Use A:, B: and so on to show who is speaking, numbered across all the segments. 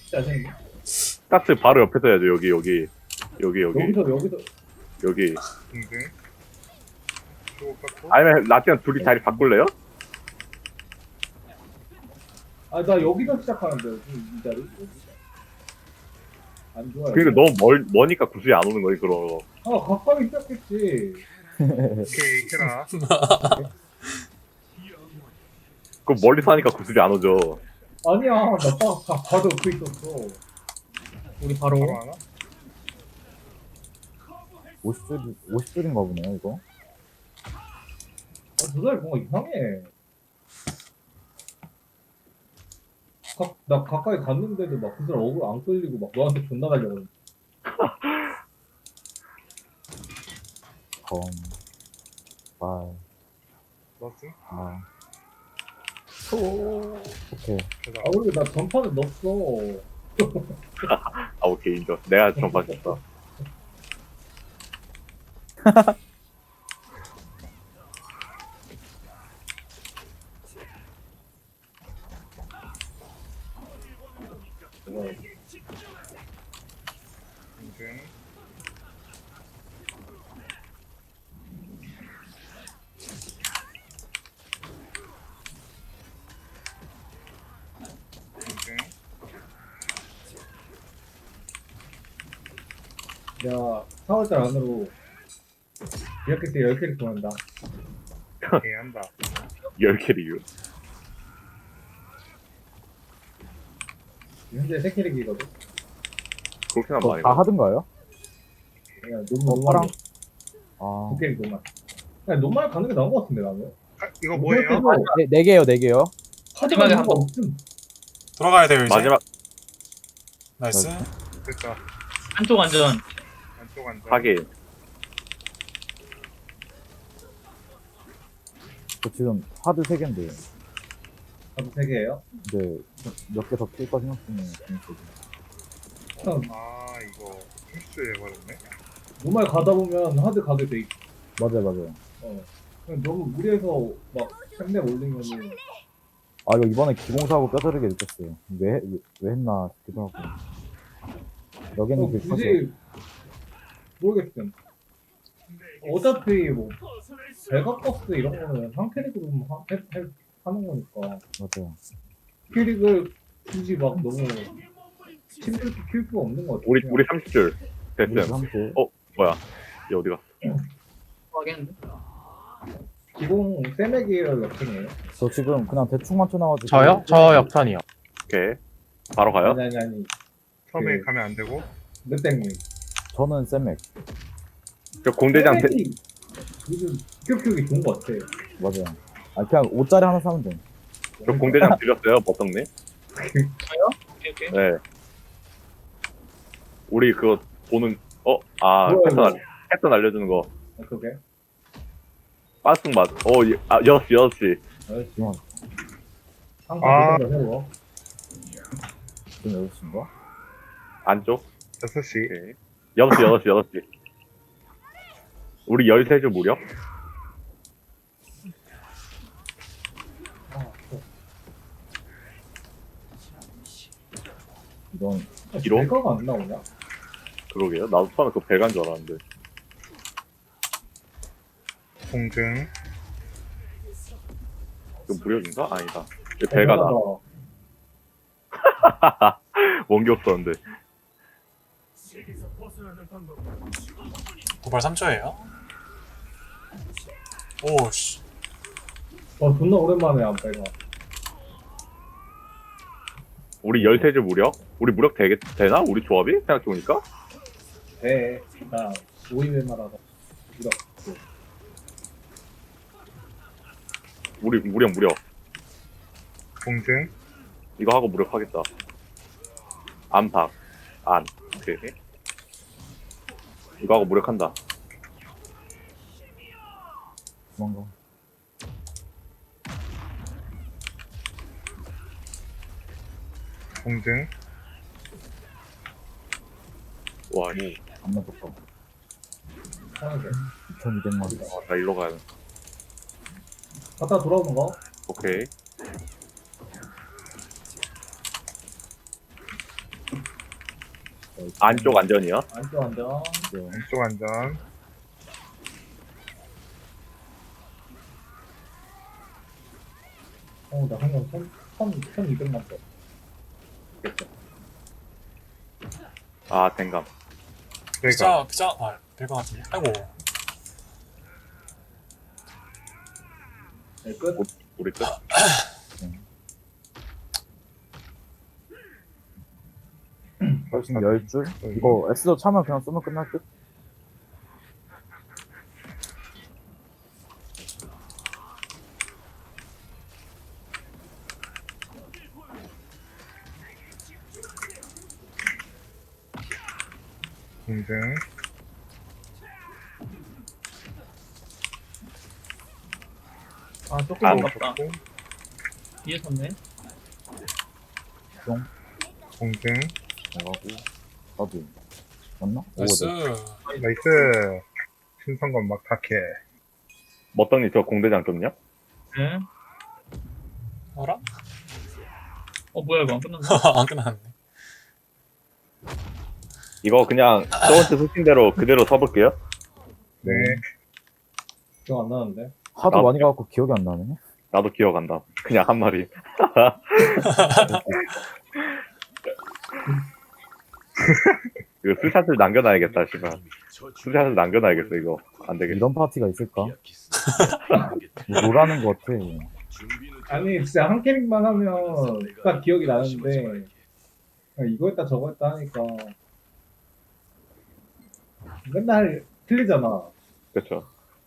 A: 짜증나.
B: 스타트 바로 옆에서 해야죠. 여기.
A: 여기서.
B: 여기.
C: 공중. 또 깎고.
B: 아니면 라떼랑 둘이 자리 바꿀래요?
A: 아, 나 여기서 시작하는데, 이 자리? 안 좋아요.
B: 그러니까 너무 머니까 구슬이 안 오는 거지, 그럼.
A: 아, 가까이 시작했지.
C: 오케이, 캐라.
B: 그럼 멀리서 하니까 구슬이 안 오죠.
A: 아니야, 나 봐도 그 있었어. 우리 바로.
C: 바로 하나?
D: 50줄인가 보네요, 이거.
A: 저 사람이 뭔가 이상해. 나 가까이 갔는데도 막 그 사람 얼굴 안 끌리고 막 너한테 존나 달려고.
D: 검, 발,
C: 넣었음?
D: 아. 오케이.
C: 가자.
A: 아, 그리고 나 전판에 넣었어.
B: 아, 오케이, 인정. 내가 전판 쳤다.
C: 공중. 공중.
A: 내가 4월달 안으로 이렇게 때 10캐릭 보낸다.
C: 오케이, 한다.
B: 10캐릭이요.
A: 현재 3캐릭이거든.
B: 그렇게 하면
D: 저
B: 많이
D: 다
B: 가.
D: 하던가요?
A: 그냥 노말
D: 파랑? 아.
A: 2캐릭 노말. 그냥 노말 가는 게 나은 것 같은데 나는.
C: 아, 이거 뭐예요?
D: 네 개요, 4개요.
A: 하지만
E: 마지막에
A: 이유가
E: 한
A: 없음.
F: 들어가야 돼요 이제.
B: 마지막
F: 나이스.
C: 됐다.
E: 한쪽 안전.
C: 안쪽 앉아.
B: 하긴.
D: 저 지금 하드 3개인데.
A: 저도 3개예요.
D: 근데 몇 개 더 필까 생각 중에 재밌어요.
C: 아, 이거 실수해버렸네.
A: 노말 가다 보면 하드 가게 돼 있어.
D: 맞아요.
A: 그냥 너무 무리해서 막 템내 올리면은
D: 아, 이거 이번에 기공사하고 뼈저리게 느꼈어요. 왜 했나 싶기도 하고. 여기는 그
A: 굳이 모르겠음. 어차피 뭐 배가버스 이런 거는 한 캐릭으로 하는 거니까
D: 맞아요.
A: 캐릭을 굳이 막 너무 힘들게 키울 필요 없는 거 같아.
B: 우리 30줄.
D: 우리
B: 됐음.
D: 함께
B: 뭐야? 얘 어디 갔어?
E: 하겠는데?
A: 기공 세맥이에요, 역행이에요?
D: 저 지금 그냥 대충 맞춰놔가지고.
G: 저요? 저 역전이요.
B: 오케이. 바로 가요?
A: 아니.
C: 처음에
A: 그-
C: 가면 안 되고.
A: 넷땡님.
D: 저는 쌤맥.
B: 저 공대장 대,
A: 세맥이 요즘 키우기 좋은 거 같아.
D: 맞아요. 아, 그냥 5짜리 하나 사면 돼.
B: 저 공대장 드렸어요, 버떡님?
E: 오케이.
B: 네. 우리 그거 보는,
A: 뭐야,
B: 패턴 알려주는 거.
A: 그게?
B: 빠승 맛. 6시.
D: 지금
A: 항상 이런 거 해요.
D: 지금 6시인가?
B: 안쪽.
C: 6시.
B: 오케이. 6시. 우리 13줄 무려?
D: 이건
B: 기록?
A: 배가가 안 나오냐?
B: 그러게요. 나도 처음에 그거 배간 줄 알았는데.
C: 공중.
B: 이거 무료인가? 아니다. 이거 배가다. 원기 없었는데.
F: 고발 3초예요. 오씨.
A: 존나 오랜만에 안 배가.
B: 우리 13줄 무력? 우리 무력 되나? 우리 조합이? 생각해보니까?
A: 배, 나 5인을 말하다. 이렇게.
B: 우리 무력.
C: 공중.
B: 이거 하고 무력하겠다. 안박. 오케이. 이거 하고 무력한다.
D: 도망가.
C: 공중.
B: 와, 이.
D: 안 맞았다.
A: 하는 게.
D: 2200마리.
B: 나 일로 가야 돼.
A: 갔다 돌아오는 거?
B: 오케이. 안쪽 안전이요?
A: 안쪽 안전.
C: 왼쪽 안전.
A: 나 한번 1200만 더.
B: 아 댕감.
C: 내가
F: 피자, 될것 같은데. 아이고.
A: 네, 끝.
B: 우리 끝.
D: 훨씬 10줄? 이거 S도 차면 그냥 쏘면 끝날 듯?
C: 공증.
E: 아, 조금
B: 아,
E: 아깝다. 뒤에 섰네.
C: 공증.
D: 나가고 나도 맞나?
F: 나이스.
C: 나이스. 신성건 막타케.
B: 머떡니 저 공대장 좀요?
E: 네.
F: 어라?
E: 뭐야, 이거 안 끝났네.
F: 안 끝났네.
B: 이거 그냥 저번주 소신대로 그대로 서볼게요.
C: 네.
A: 기억 안 나는데.
D: 하도
B: 나-
D: 많이 가갖고 기억이 안 나네.
B: 나도 기억한다. 그냥 한 마리. 이거 스샷을 남겨놔야겠다, 씨발. 스샷을 남겨놔야겠어, 이거. 안 되겠어.
D: 이런 파티가 있을까? 뭐 노라는 것 같아.
A: 아니 진짜 한 캐릭만 하면 딱 기억이 나는데 그냥 이거 했다 저거 했다 하니까 맨날 틀리잖아.
B: 그쵸.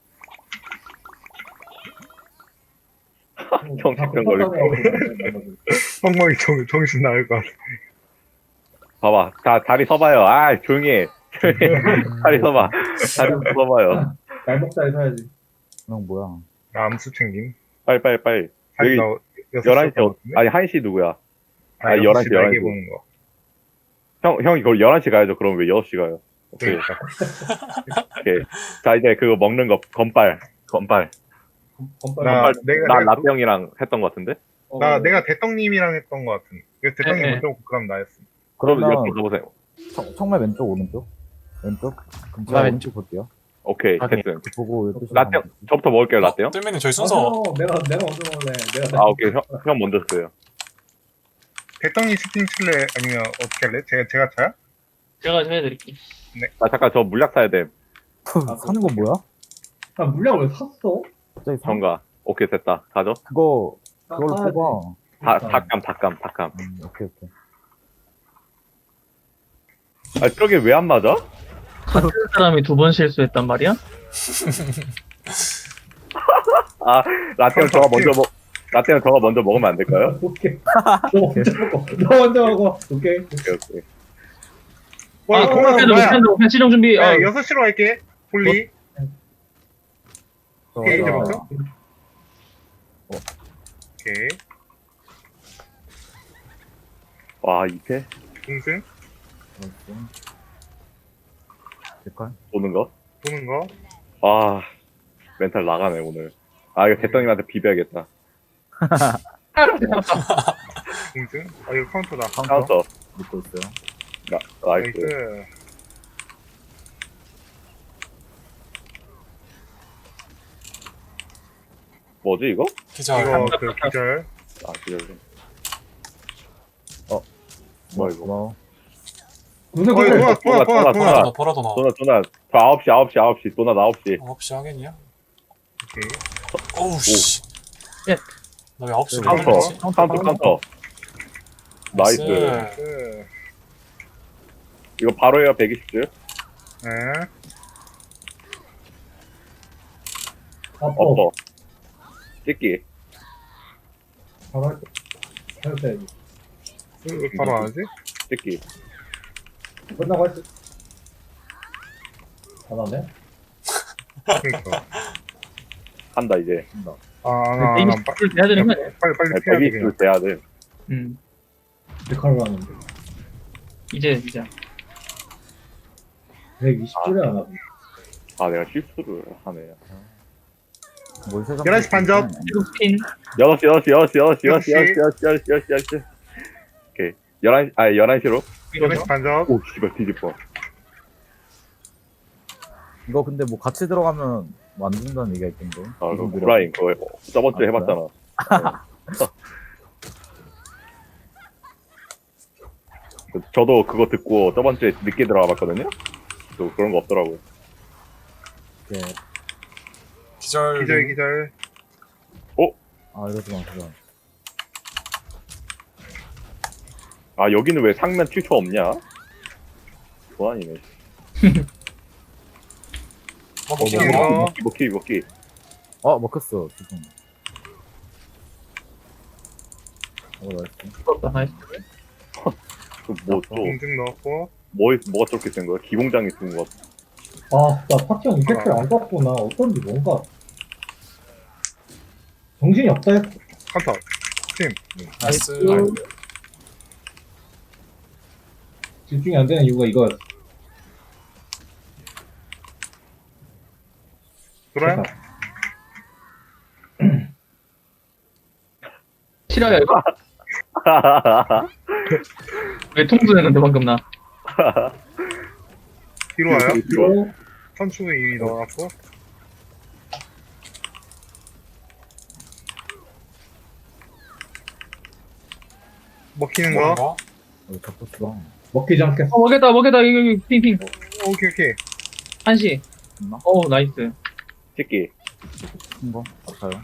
A: 뭐
B: 형
A: 다
B: 집중 걸릴
A: 똑같다고 하고 그러는데
C: 엉망이 정신 나을 것 같아.
B: 봐봐. 다리 서봐요. 아, 조용히 해. 다리 서봐. 다리 서봐요.
A: 날먹자리 사야지.
D: 그냥 뭐야.
C: 나 암수 챙김.
B: 빨리. 여기
C: 나
B: 11시, 아니, 1시 누구야?
C: 아,
B: 11시,
C: 11시 날개
B: 11시.
C: 보는 거.
B: 형이 그걸 11시 가야죠. 그럼 왜 6시 가요? 오케이.
C: 그러니까.
B: 오케이. 자, 이제 그거 먹는 거, 건빨.
A: 건빨.
C: 나, 내가,
B: 라떼 형이랑 했던 거 같은데?
C: 내가 대떡님이랑 했던 것 같은. 이거 대떡님
E: 네,
C: 먼저 먹고 그럼 나였어.
B: 그럼
D: 그러면
B: 이렇게 가보세요.
D: 청말 왼쪽 오른쪽? 왼쪽? 그럼
E: 나
D: 제가
E: 왼쪽.
D: 오른쪽 볼게요.
B: 오케이,
E: 확인.
B: 됐음.
D: 보고 12시
B: 라떼 형, 저부터 먹을게요, 라떼 형.
F: 뜰면은 저희
A: 아,
F: 순서.
A: 내가 먼저 먹을래.
B: 아, 오케이. 형 먼저 써요.
C: 대떡님 스팅 칠래? 아니면 어떻게 할래? 제가 차야?
E: 제가 해드릴게요.
B: 아, 잠깐, 저 물약 사야 돼.
D: 사는 건 뭐야?
A: 아 물량을 왜 샀어?
D: 갑자기 사?
B: 정가. 오케이, 됐다. 가죠.
D: 그걸로
A: 사야지.
D: 뽑아.
B: 닭감.
D: 오케이.
B: 아, 저게 왜 안 맞아?
E: 같은 사람이 2번 실수했단 말이야?
B: 아, 라떼 형 저가 먼저 먹으면 안 될까요?
A: 오케이. 너 먼저 먹어. 너 먼저 먹어. 오케이.
B: 오케이.
C: 와, 이거 공항
E: 그래도
C: 뭐야?
E: 못한다. 시정 준비.
C: 야, 6시로 갈게. 홀리. 오케이, 이제
D: 어,
C: 먹죠? 오케이.
B: 와, 이패?
C: 공승.
D: 될까요?
B: 도는 거?
C: 도는 거.
B: 아, 멘탈 나가네, 오늘. 아, 이거 대떡님한테 비벼야겠다.
C: 공승. 아, 이거 카운터다.
B: 카운터.
D: 믿고 있어요.
B: 나이스.
C: 나이스.
B: 뭐지, 이거?
F: 기자.
C: 이거 그 기절.
B: 아, 기다려.
D: 뭐야
B: 이거?
D: 고마워.
A: 무슨
C: 어,
A: 소리야?
C: 도나.
B: 도나.
F: 보라도 나.
B: 도나. 저 9시. 도나 9시.
F: 9시 하겠냐?
C: 오케이.
F: 어우, 씨.
E: 예.
F: 나왜 9시
B: 카운터.
F: 지
B: 카운터. 나이스.
C: 나이스.
B: 이거 바로 해요, 120줄.
C: 네.
B: 엎어. 찍기.
A: 바로 할 때. 해야지.
C: 왜 바로 안 하지?
B: 찍기.
A: 끝나고 할 때. 안 하네?
C: 그러니까.
B: 한다, 이제.
E: 이미
C: 안
E: 술 해야 되는 거 아니야?
C: 빨리 피해야 돼, 그냥.
B: 120줄 돼야 돼.
A: 데칼로 하는데.
E: 이제.
A: 120줄에 안 하고.
B: 아, 내가 실수를 하네.
D: 뭘 세상
C: 11시 반접.
E: 핀.
B: 6시. 오케이. 11시로.
C: 데미지 반접.
B: 오, 씨발, 뒤집어.
D: 이거 근데 뭐 같이 들어가면 뭐 안 된다는 얘기가 있던데.
B: 아, 그
D: 이거
B: 브라인, 그거 저번 주에
D: 아,
B: 해봤잖아. 저도 그거 듣고 저번 주에 늦게 들어가 봤거든요? 또 그런 거 없더라고요.
D: 네.
F: 기절.
C: 기절.
D: 아, 이러지 마, 그거.
B: 아, 여기는 왜 상면 7초 없냐? 보안이네.
C: 먹히는
F: 먹히는 거.
C: 거.
B: 먹기.
D: 먹혔어, 지금. 나이스.
E: 죽었다. 나이스.
B: 뭐, 또,
C: 공증 넣었고.
B: 뭐가 저렇게 센 거야? 기공장이 쓴 거.
A: 아, 나 파티형 이펙트를 안 썼구나. 어쩐지 뭔가. 정신이 없다 했어.
C: 카운터.
F: 나이스.
A: 집중이 안 되는 이유가 이거였어.
C: 돌아요?
E: 실화야, 이거? 왜 통수했는데, 방금 나?
C: 뒤로 와요?
A: 그리고
C: 선축을 이미 넣어놨고. 먹히는 거.
F: 먹는 거.
D: 잡혔어.
A: 먹히지 않겠어.
E: 먹겠다, 이거, 핑.
C: 오케이.
E: 한시.
D: 있나?
E: 나이스.
B: 찍기.
D: 큰 거? 아파요.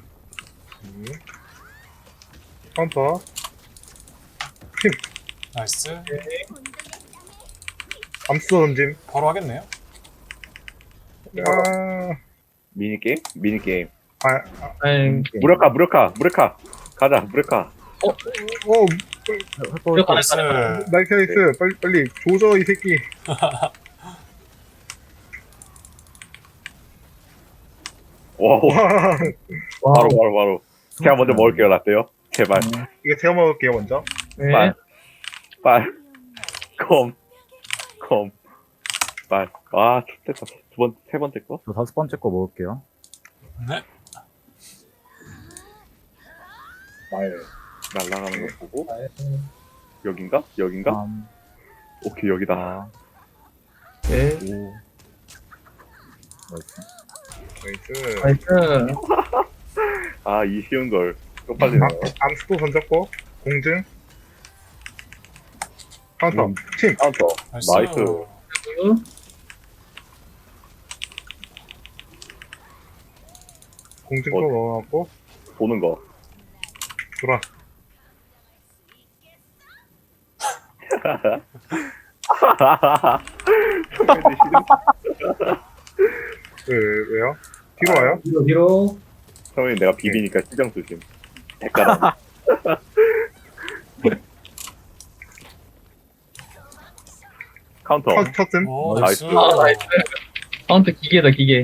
C: 카운터.
F: 나이스.
C: 암수 던짐.
F: 바로 하겠네요.
C: 아,
B: 미니게임.
E: 아이,
B: 무력화. 가자, 무력화.
E: 이거
F: 나이스.
C: 나이스. 빨리. 조져, 이 새끼.
B: 와,
C: 와,
B: 바로. 제가 먼저 먹을게요, 라떼요. 제발.
C: 이거 제가 먹을게요, 먼저.
E: 네.
B: 빨. 빨. 아, 좋겠다. 세 번째 거?
D: 저 5번째 거 먹을게요.
F: 네.
A: 말.
B: 날아가는 거 보고.
A: 말.
B: 여긴가?
D: 3,
B: 오케이, 여기다.
D: 4,
E: 네.
D: 5. 나이스.
C: 나이스.
E: 나이스.
B: 아, 이 쉬운 걸. 쪽팔리네.
C: 암수도 던졌고. 공증. 카운터. 침.
B: 카운터. 나이스.
C: 공증 또 넣어놨고.
B: 보는 거.
C: 돌아. 왜요? 뒤로 와요?
A: 뒤로.
B: 성현이 내가 비비니까 시정 조심. 대가라. 카운터.
C: 쳤음.
F: 오,
B: 나이스.
F: 나이스.
E: 나이스. 카운트 기계다, 기계.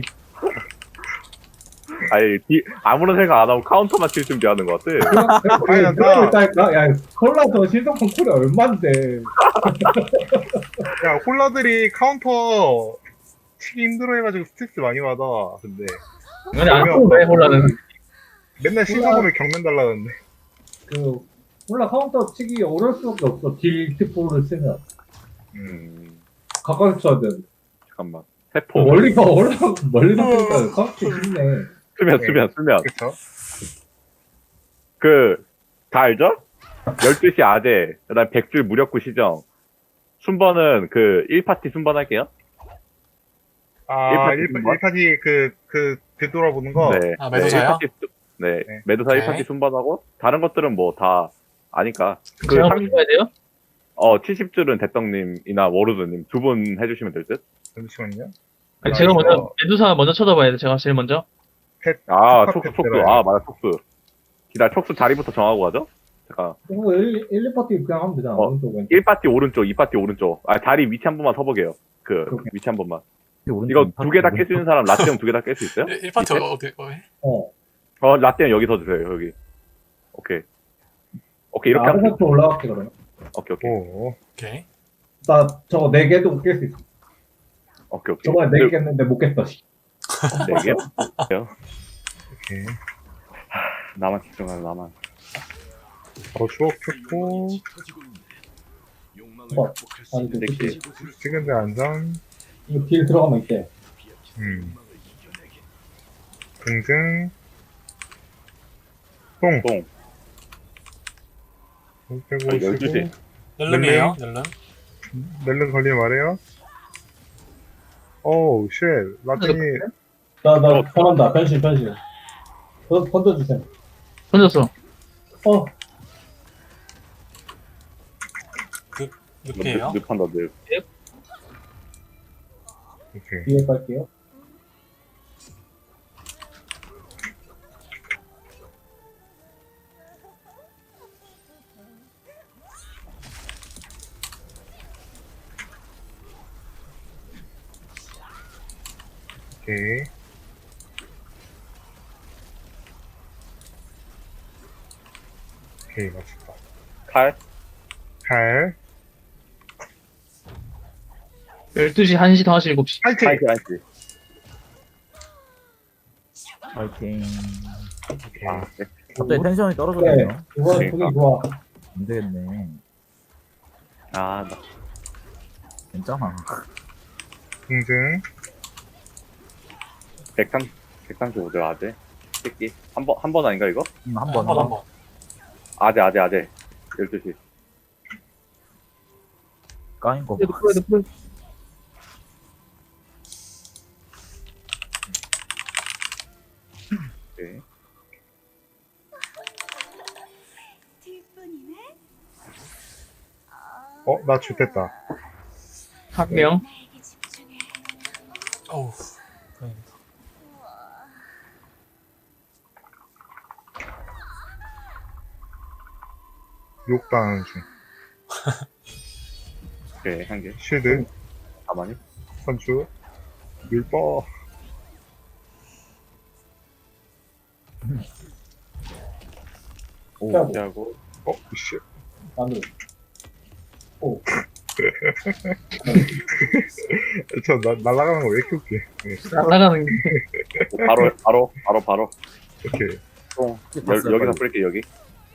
B: 아니, 아무런 생각 안 하고 카운터만 칠 준비하는 것 같아.
C: 아니, 나-
A: 그러니까 야, 콜라도 실성폰 쿨이 얼만데.
C: 야, 홀라들이 카운터 치기 힘들어 해가지고 스트레스 많이 받아. 근데.
E: 근데 안 쏘네, 홀라는.
C: 맨날 신청하면 경면 달라는데.
A: 그 콜라 카운터 치기 어려울 수밖에 없어. 딜트포를 쓰면 가까이 쳐야 돼.
B: 잠깐만. 세포.
A: 멀리서 쓰니까 카운터 쉽네.
B: 수면.
C: 그쵸?
B: 다 알죠? 12시 아재, 그 다음 100줄 무력구 시정. 순번은 1파티 순번 할게요.
C: 아,
B: 1파티
C: 1파티 되돌아보는 거?
B: 네.
F: 아, 매도사요?
B: 네.
C: 네.
B: 매도사
F: 오케이.
B: 1파티 순번하고, 다른 것들은 뭐 다 아니까.
E: 제가 먼저 해야 돼요?
B: 70줄은 대떡님이나 워루드님 두 분 해주시면 될 듯?
C: 잠시만요.
E: 아니,
C: 아,
E: 제가
C: 이거
E: 먼저, 메두사 먼저 쳐다봐야 돼, 제가 제일 먼저.
B: 아,
C: 첫
B: 촉수.
C: 파티
B: 아, 맞아, 촉수. 촉수 자리부터 정하고 가죠? 잠깐.
A: 그거 1, 2파티 그냥 하면 되잖아. 오른쪽 왼쪽.
B: 1파티 오른쪽, 2파티 오른쪽. 아, 자리 위치 한 번만 서보게요.
A: 오케이.
B: 위치 한 번만.
D: 오른쪽
B: 이거
D: 파티
B: 두 개 다 깰 수
D: 오른쪽.
B: 있는 사람, 라떼형 두 개 다 깰 수 있어요?
F: 1파트
A: 어.
B: 라떼형 여기 서주세요, 여기. 오케이, 이렇게 하면
A: 아르바트 올라갈게 그러면.
B: 오케이.
C: 오.
F: 오케이.
A: 나 저거 4개도 깰 수 있어.
B: 오케이.
A: 저번에 4개 깼는데 못 깼어. 씨.
B: 4개요?
C: 오케이.
B: 나만 집중하는 나만.
C: 바로 추억 켰고.
A: 아니, 그
B: 새끼.
C: 찍은데 안전.
A: 이거 딜 들어가면 있대.
C: 공증. 똥.
B: 똥.
C: 똥 빼고
B: 아, 12시.
F: 넬름이에요. 넬름.
C: 멜른 걸리면 말해요. 오우, 쉣. 라틴이,
A: 나 변한다. 변신. 던져주세요.
E: 던졌어.
F: 늪이에요.
B: 늪한다, 늪.
C: 오케이.
A: 뒤에 갈게요.
C: 오케이. 오케이, 맞췄다.
B: 칼?
C: 칼.
E: 12시, 1시, 5시, 7시.
C: 파이팅!
B: 한시.
D: 파이팅.
C: 오케이.
B: 아, 네.
D: 갑자기 텐션이
A: 그래.
D: 떨어졌네요.
A: 이번
B: 그러니까.
A: 분위기 좋아.
D: 안 되겠네.
B: 아, 나.
D: 괜찮아.
C: 공증.
B: 135대 아재. 새끼. 한 번 아닌가, 이거?
D: 한 번.
F: 한 번.
B: 아재. 12시.
D: 까인 거 봐.
E: 프로이드.
B: 오케이.
G: 뒷분이네?
C: 나 죽됐다.
E: 한 명.
G: 나에게 집중해.
F: 어우. 다행이다.
C: 욕당하는 중.
B: 오케이, 한 개.
C: 쉴드.
B: 가만히.
C: 선추. 율법.
B: 오,
A: 피하고.
B: 피하고.
C: 씨.
A: 마늘.
C: 날아가는 거 왜 이렇게 웃겨. 네.
E: 날아가는 게.
B: 바로.
C: 오케이.
B: 똥.
D: 봤어요,
B: 여기서
D: 빨리.
B: 뿌릴게, 여기.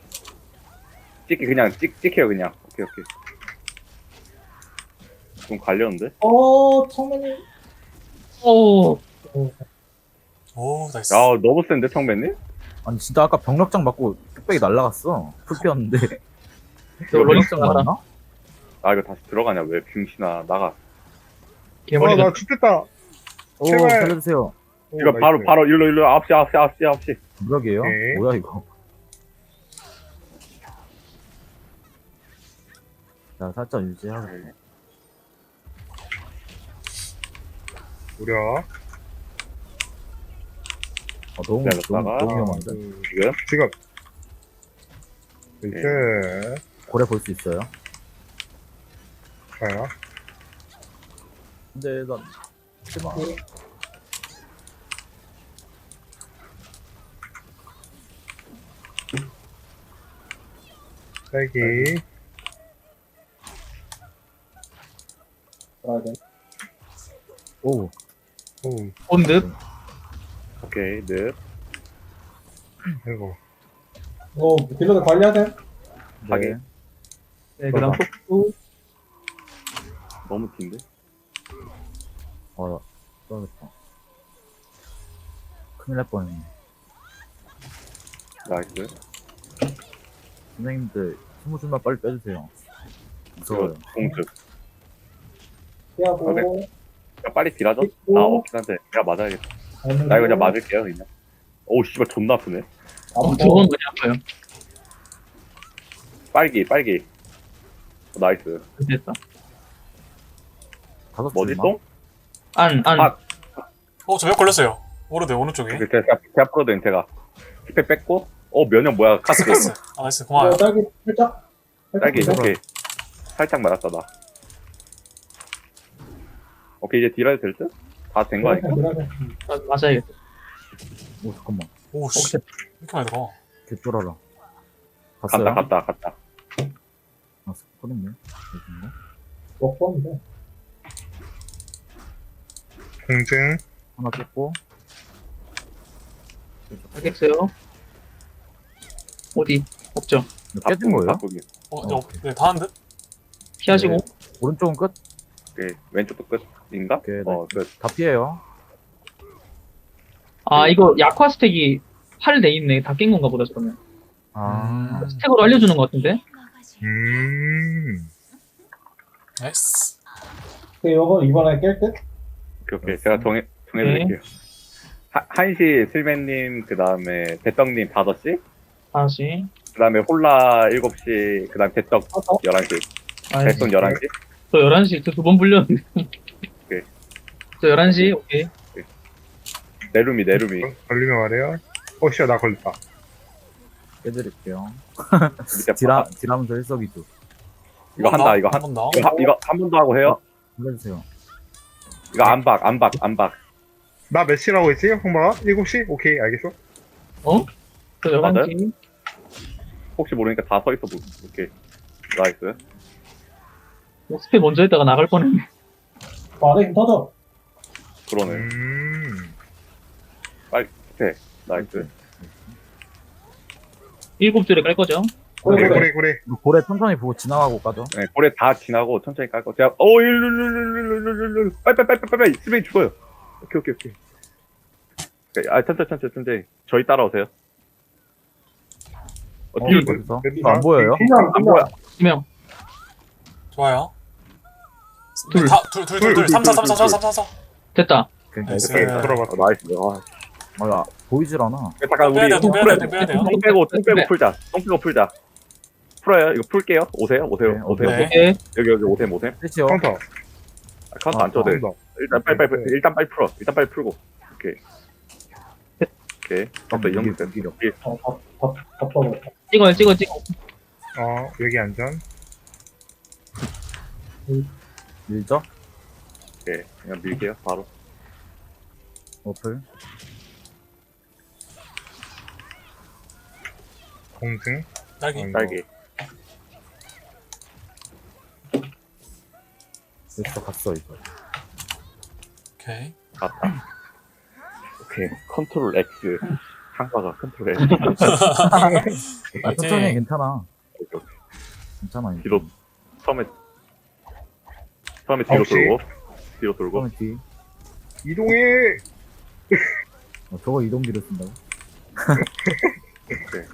B: 그냥 찍혀요, 그냥. 오케이. 좀 갈렸는데?
A: 청맨이.
E: 오,
F: 오, 나이스.
B: 야, 너무 센데, 청배님?
D: 아니 진짜 아까 병력장 맞고 뚝배기 날라갔어. 풀피었는데.
E: 너 로닉
D: 병력장
E: 나가라.
D: 맞나?
B: 아, 이거 다시 들어가냐, 왜? 병신아, 나가.
E: 개머리.
C: 나 죽됐다.
D: 오
C: 제발.
D: 살려주세요.
B: 이거 바로, 일로, 9시.
D: 무력이에요?
C: 오케이.
D: 뭐야 이거? 자 살짝 유지하고.
C: 우려.
D: 너무
B: 기다렸다가.
D: 너무 위험한데.
B: 지금?
C: 지금. 이제.
D: 고래 볼 수 있어요?
C: 가요.
D: 근데 난 제발.
C: 딸기.
A: 들어야 돼.
D: 오
C: 오.
E: 본드.
B: 오케이, 네.
C: 아이고.
A: 딜러들 관리하세요.
B: 가게.
D: 네.
E: 네, 그 다음 폭구.
B: 너무 긴데?
D: 떨어졌다. 큰일 날 뻔했네.
B: 나이스.
D: 선생님들 20줄만 빨리 빼주세요. 무서워요.
B: 이거 공주.
A: 피하고.
B: 야, 빨리 딜하죠?
A: 있고.
B: 없긴 한데. 내가 맞아야겠다. 나 이거 그냥 맞을게요, 그냥. 오, 씨발, 존나 아프네.
E: 저건 많이 아파요.
B: 빨기. 나이스.
E: 됐다.
D: 5줄만.
B: 뭐지, 똥?
E: 안.
B: 아.
F: 저몇 걸렸어요. 오르네, 오른쪽에.
B: 제가 풀어도 제가. 스펙 뺐고. 면역 뭐야, 카스.
F: 가스. 아, 나이스. 고마워요.
A: 딸기 살짝.
B: 딸기,
A: 살짝
B: 오케이. 살짝 맞았다, 나. 오케이, 이제 딜해도 될 듯? 다 된 거 아닐까?
E: 맞아야겠다.
D: 오 잠깐만.
F: 오, 씨. 이렇게 많이 들어.
D: 개쫄아라. 갔어요?
B: 갔다.
D: 아 스포했네. 여긴가?
A: 먹었는데.
C: 공증.
D: 하나 깼고.
E: 알겠어요. 어디? 없죠.
D: 이거 깨진 거예요?
B: 바꾸기.
F: 네, 다 한 듯?
E: 피하시고.
D: 오른쪽은 끝?
B: 오케이. 왼쪽도 끝인가?
D: 오케이,
B: 끝.
D: 다 피해요.
E: 아, 이거 약화 스택이 8 돼 있네. 다 깬 건가 보다, 그러면.
D: 아,
E: 스택으로 알려주는 것 같은데?
F: 나이스.
A: 그 요거 이번에 깰 듯?
B: 오케이. 제가 정해드릴게요. 한시 슬맨님, 그 다음에 대떡님 5시,
E: 다시.
B: 그 다음에 홀라 7시, 그 다음에 대떡 11시,
E: 알겠어.
B: 대떡 11시.
E: 저 11시, 저 2번 불렸는데.
B: 오케이.
E: 저 11시, 오케이.
B: 내루미.
C: 걸리면 말해요. 씨야, 나 걸렸다.
D: 깨드릴게요.
B: 밑에
D: 딜하면서 일석이조.
B: 이거 한다, 이거
F: 한번 더.
B: 이거 한 번 더 하고 해요.
D: 불러주세요.
B: 이거 안박.
C: 나 몇 시라고 했지, 홍바가? 7시? 오케이, 알겠어.
E: 저
B: 맞아요?
E: 11시.
B: 혹시 모르니까 다 서 있어 볼게. 나이스.
E: 스펙 먼저 했다가 나갈 뻔했네.
A: 안에 힘 터져.
B: 그러네. 나이스.
E: 7줄에 깔 거죠?
C: 그래.
D: 이거 고래 천천히 보고 지나가고 까죠.
B: 네, 고래 다 지나고 천천히 깔 거. 제가 일로 빨리 스베이 죽어요. 오케이. 아, 천천히. 저희 따라오세요. 뒤로
D: 어디서?
C: 왼쪽.
D: 안 보여요?
B: 안 보여.
E: 2명.
F: 좋아요.
E: 둘.
F: 둘. 3, 4.
E: 됐다.
F: 나이스.
C: 들어봤어.
B: 나이스.
D: 아, 보이질 않아.
B: 잠깐 우리
F: 똥 빼야 돼요.
B: 똥 빼고 풀자. 똥 빼고 풀자. 풀어요. 이거 풀게요. 오세요.
D: 네.
E: 오케이.
B: 여기 오셈.
D: 끝이요.
C: 카운터.
B: 아, 카운트 안 쳐도 돼.
C: 카운터.
B: 일단 빨리 풀어. 일단 빨리 풀고. 오케이. 됐어. 이 정도 됐어.
A: 바빠버려.
E: 찍어.
C: 여기 안전.
D: 밀죠?
B: 오케이. 그냥 밀게요. 바로.
D: 어플.
C: 공증.
F: 딸기.
B: 딸기.
D: 됐어, 갔어, 이거.
F: 오케이.
B: 갔다. 오케이. 컨트롤 X. 한가가 컨트롤 X.
D: 아, 천천히 해, 괜찮아.
B: 오케이.
D: 괜찮아. 이거.
B: 뒤로 처음에 뒤로
C: 혹시?
B: 돌고
D: 처음에 뒤.
C: 이동해.
D: 저거 이동기를 쓴다고?
B: 오케이.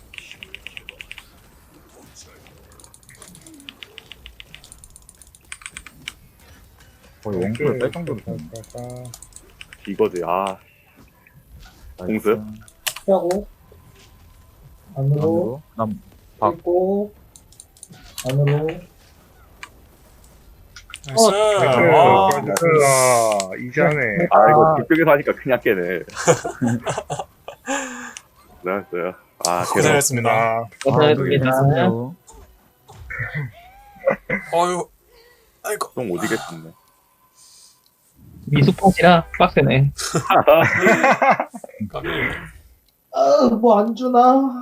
D: 거의 원클 뺄 정도로 됐네.
B: 이거지. 아, 공수?
D: 나이스.
A: 피하고. 안으로.
D: 안으로. 남, 박.
A: 찍고. 안으로.
F: 나이스. 와.
C: 이자네.
B: 아 이거 뒤쪽에서 하니까 그냥 깨네. 나였어요. 아, 대단.
F: 고생했습니다.
C: 아,
E: 고생했습니다.
D: 재밌었네요.
F: 어휴. 아이고.
B: 좀 오지겠었네.
E: 미숙하시라 빡세네.
F: 까비.
A: 뭐 안 주나?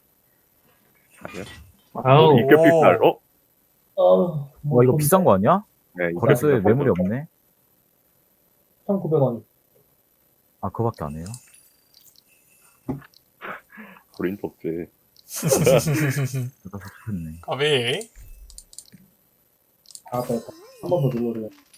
E: 아우.
B: 이격 필살.
D: 와, 이거 비싼 거 아니야?
B: 네, 이거
D: 거래소에
B: 비싼
D: 매물이
B: 거죠.
D: 없네?
A: 1,900원.
D: 아, 그거밖에 안 해요?
B: 우린 없지.
D: 내가 섭섭했네.
F: 까비.
A: 아, 한 번 더 눌러줘요.